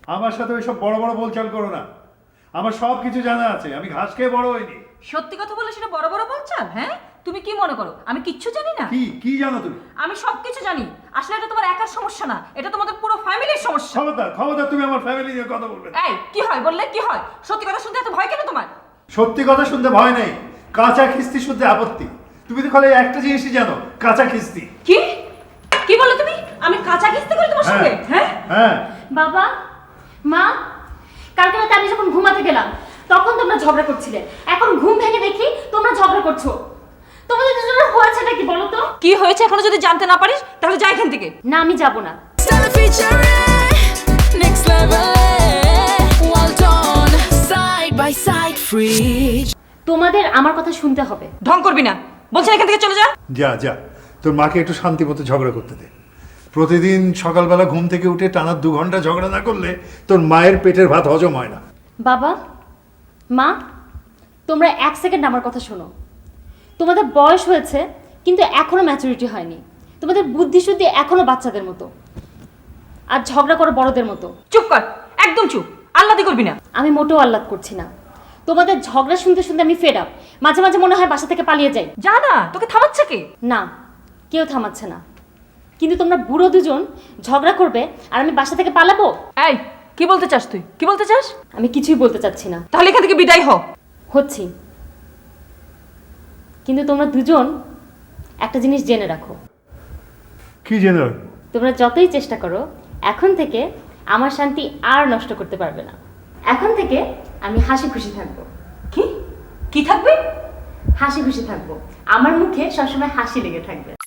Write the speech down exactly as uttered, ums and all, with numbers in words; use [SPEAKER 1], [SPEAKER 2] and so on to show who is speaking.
[SPEAKER 1] আমার সাথে ওইসব বড় বড় বলচাল করো না। আমার সব কিছু জানা আছে, আমি ঘাস খেয়ে বড় হইনি।
[SPEAKER 2] সত্যি কথা বলে সেটা বড় বড় বলছাল? হ্যাঁ, তুমি কি মনে করো আমি কিচ্ছু জানি না?
[SPEAKER 1] কি কি জানো তুমি?
[SPEAKER 2] আমি সব কিছু জানি। আসলে এটা তোমার একার সমস্যা না, এটা তোমাদের পুরো ফ্যামিলির সমস্যা।
[SPEAKER 1] খবরদার খবরদার, তুমি আমার ফ্যামিলি নিয়ে কথা বলবে না।
[SPEAKER 2] এই কি হয় বললে কি হয়? সত্যি কথা শুনতে এত ভয় কেন তোমার?
[SPEAKER 1] সত্যি কথা শুনতে ভয় নেই, কাঁচা খিস্তি শুনতে আপত্তি। তুমি তো খালি একটা জিনিসই জানো, কাঁচা খিস্তি।
[SPEAKER 2] কি কি বলো তুমি? আমি কাঁচা কিস্তি করি তোমার সঙ্গে? হ্যাঁ
[SPEAKER 1] হ্যাঁ।
[SPEAKER 3] বাবা, মা, কালকে রাতে আমি যখন ঘুমাতে গেলাম তখন তোমরা ঝগড়া করছিলে, এখন ঘুম ভেঙে দেখি তোমরা ঝগড়া করছো। তোমাদের দুজনের হয়েছেটা কি বলো তো?
[SPEAKER 2] কি হয়েছে এখনো যদি জানতে না পারিস তাহলে যাই এখান থেকে।
[SPEAKER 3] না, আমি যাব না।
[SPEAKER 4] Stella featuring next level, well done, side by side, free.
[SPEAKER 3] তোমাদের আমার কথা শুনতে হবে।
[SPEAKER 2] ঢং করবি না, বলছেন এখান থেকে চলে যা।
[SPEAKER 1] যা যা, তোর মাকে একটু শান্তি মতো ঝগড়া করতে দে। প্রতিদিন সকালবেলা ঘুম থেকে উঠে টানা দু ঘন্টা ঝগড়া না করলে তোর মায়ের পেটের ভাত হজম হয় না।
[SPEAKER 3] বাবা, মা, তোমরা এক সেকেন্ড আমার কথা শোনো। তোমাদের বয়স হয়েছে কিন্তু এখনো ম্যাচুরিটি হয়নি। তোমাদের বুদ্ধি শুদ্ধি এখনো বাচ্চাদের মতো, আর ঝগড়া করো বড়দের মতো।
[SPEAKER 2] চুপ কর, একদম চুপ, আল্লাদি করবি না।
[SPEAKER 3] আমি মোটেও আহ্লাদ করছি না। তোমাদের ঝগড়া শুনতে শুনতে আমি ফেড আপ। মাঝে মাঝে মনে হয় বাসা থেকে পালিয়ে যাই।
[SPEAKER 2] যা না, তোকে থামাচ্ছে কে?
[SPEAKER 3] না, কেউ থামাচ্ছে না, কিন্তু তোমরা বুড়ো দুজন ঝগড়া করবে আর আমি বাসা থেকে পালাবো?
[SPEAKER 2] এই কি বলতে চাস? তুই কি বলতে চাস?
[SPEAKER 3] আমি কিছুই বলতে চাচ্ছি না।
[SPEAKER 2] তাহলে এখান থেকে বিদায় হ।
[SPEAKER 3] হচ্ছি, কিন্তু তোমরা দুজন একটা জিনিস জেনে রাখো।
[SPEAKER 1] কি জেনে রাখবো?
[SPEAKER 3] তোমরা যতই চেষ্টা করো এখন থেকে আমার শান্তি আর নষ্ট করতে পারবে না। এখন থেকে আমি হাসি খুশি থাকবো।
[SPEAKER 2] কি কি থাকবে?
[SPEAKER 3] হাসি খুশি থাকবো, আমার মুখে সবসময় হাসি লেগে থাকবে।